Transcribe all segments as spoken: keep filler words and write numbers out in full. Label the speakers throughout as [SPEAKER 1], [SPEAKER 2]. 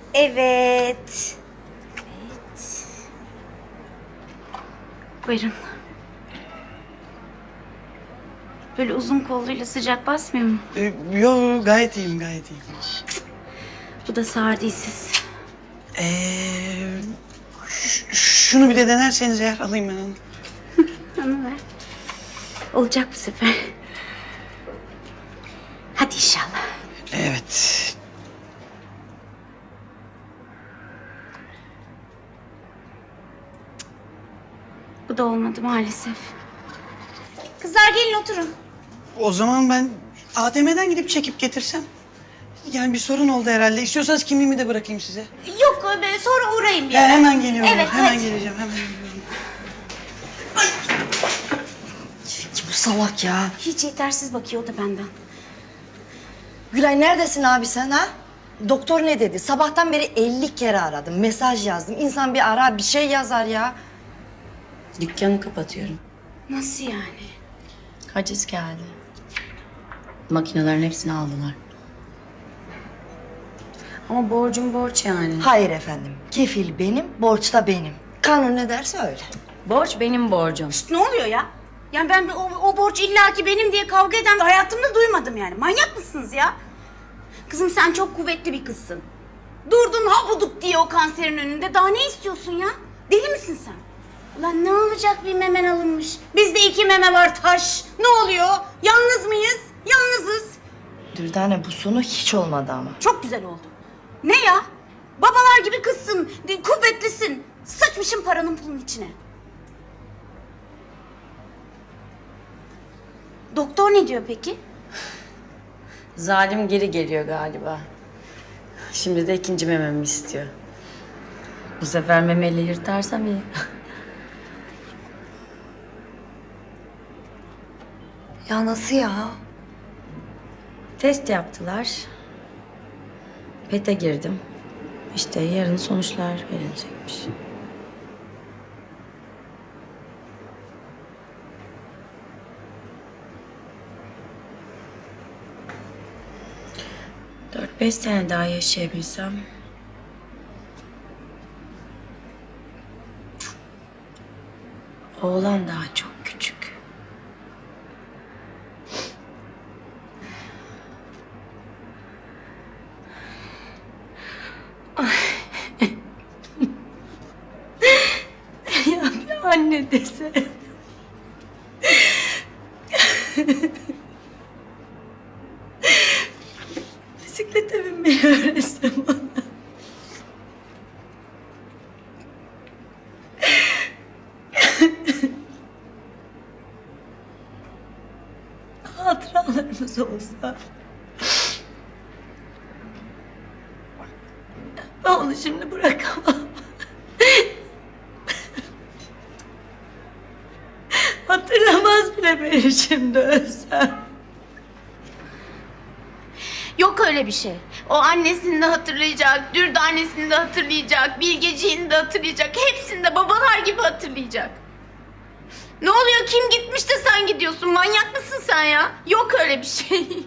[SPEAKER 1] Evet. Evet. Buyurun. Böyle uzun kolluyla sıcak basmıyor mu?
[SPEAKER 2] Ee, yo gayet iyiyim gayet iyiyim.
[SPEAKER 1] Bu da sağır değilsiz.
[SPEAKER 2] Ee, ş- şunu bir de denerseniz eğer alayım ben onu.
[SPEAKER 1] Onu ver. Olacak bu sefer. Hadi inşallah.
[SPEAKER 2] Evet.
[SPEAKER 1] Bu da olmadı maalesef. Kızlar gelin oturun.
[SPEAKER 2] O zaman ben A T M'den gidip çekip getirsem. Yani bir sorun oldu herhalde. İstiyorsanız kimliğimi de bırakayım size.
[SPEAKER 1] Yok ben sonra uğrayayım bir
[SPEAKER 2] Ya
[SPEAKER 1] ara.
[SPEAKER 2] hemen geliyorum.
[SPEAKER 1] Evet,
[SPEAKER 2] hemen
[SPEAKER 1] hadi.
[SPEAKER 2] geleceğim. Hemen geliyorum.
[SPEAKER 3] Bu salak ya.
[SPEAKER 1] Hiç yetersiz bakıyor o da benden.
[SPEAKER 3] Gülay neredesin abi sen ha? Doktor ne dedi? Sabahtan beri elli kere aradım, mesaj yazdım. İnsan bir ara bir şey yazar ya.
[SPEAKER 4] Dükkanı kapatıyorum.
[SPEAKER 1] Nasıl yani?
[SPEAKER 4] Haciz geldi. Makinelerin hepsini aldılar. Ama borcum borç yani.
[SPEAKER 3] Hayır efendim. Kefil benim, borç da benim. Kanun ne derse öyle.
[SPEAKER 4] Borç benim borcum.
[SPEAKER 1] Ne oluyor ya? Yani ben o, o borç illaki benim diye kavga eden hayatımda duymadım yani. Manyak mısınız ya? Kızım sen çok kuvvetli bir kızsın. Durdun habuduk diye o kanserin önünde. Daha ne istiyorsun ya? Deli misin sen? Ulan ne olacak bir memen alınmış. Bizde iki meme var taş. Ne oluyor? Yalnız mıyız? Yalnızız.
[SPEAKER 3] Dürdane bu sonu hiç olmadı ama.
[SPEAKER 1] Çok güzel oldu. Ne ya? Babalar gibi kızsın. Kuvvetlisin. Sıçmışım paranın pulun içine. Doktor ne diyor peki?
[SPEAKER 4] Zalim geri geliyor galiba. Şimdi de ikinci mememi istiyor. Bu sefer memeli yırtarsam iyi.
[SPEAKER 3] Ya nasıl ya?
[SPEAKER 4] Test yaptılar. Pete girdim. İşte yarın sonuçlar verilecekmiş. Dört beş sene daha yaşayabilsem... Oğlan daha çok küçük. Ya bir anne dese. Bisiklete binmeyi öğretsem ona. Hatıralarımız olsa. Ben onu şimdi bırakamam. Hatırlamaz bile beni şimdi ölsem.
[SPEAKER 1] Yok öyle bir şey. O annesini de hatırlayacak, Dürdanesini de hatırlayacak, Bilgeciğini de hatırlayacak. Hepsini de babalar gibi hatırlayacak. Ne oluyor? Kim gitmiş de sen gidiyorsun? Manyak mısın sen ya? Yok öyle bir şey.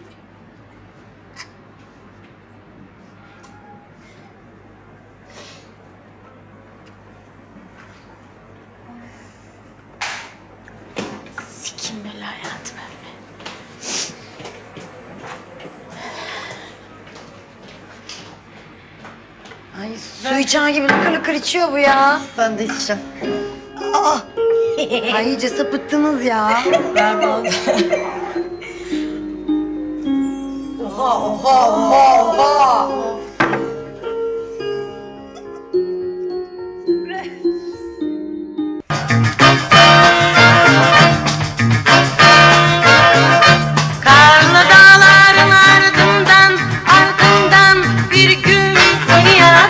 [SPEAKER 1] Sikim böyle hayatım öyle.
[SPEAKER 3] Ay su içen gibi lıkır lıkır içiyor bu ya. Ben de içeceğim. Aa! Ay iyice sapıttınız ya.
[SPEAKER 4] Ver bana.
[SPEAKER 3] Oha oha oha oha.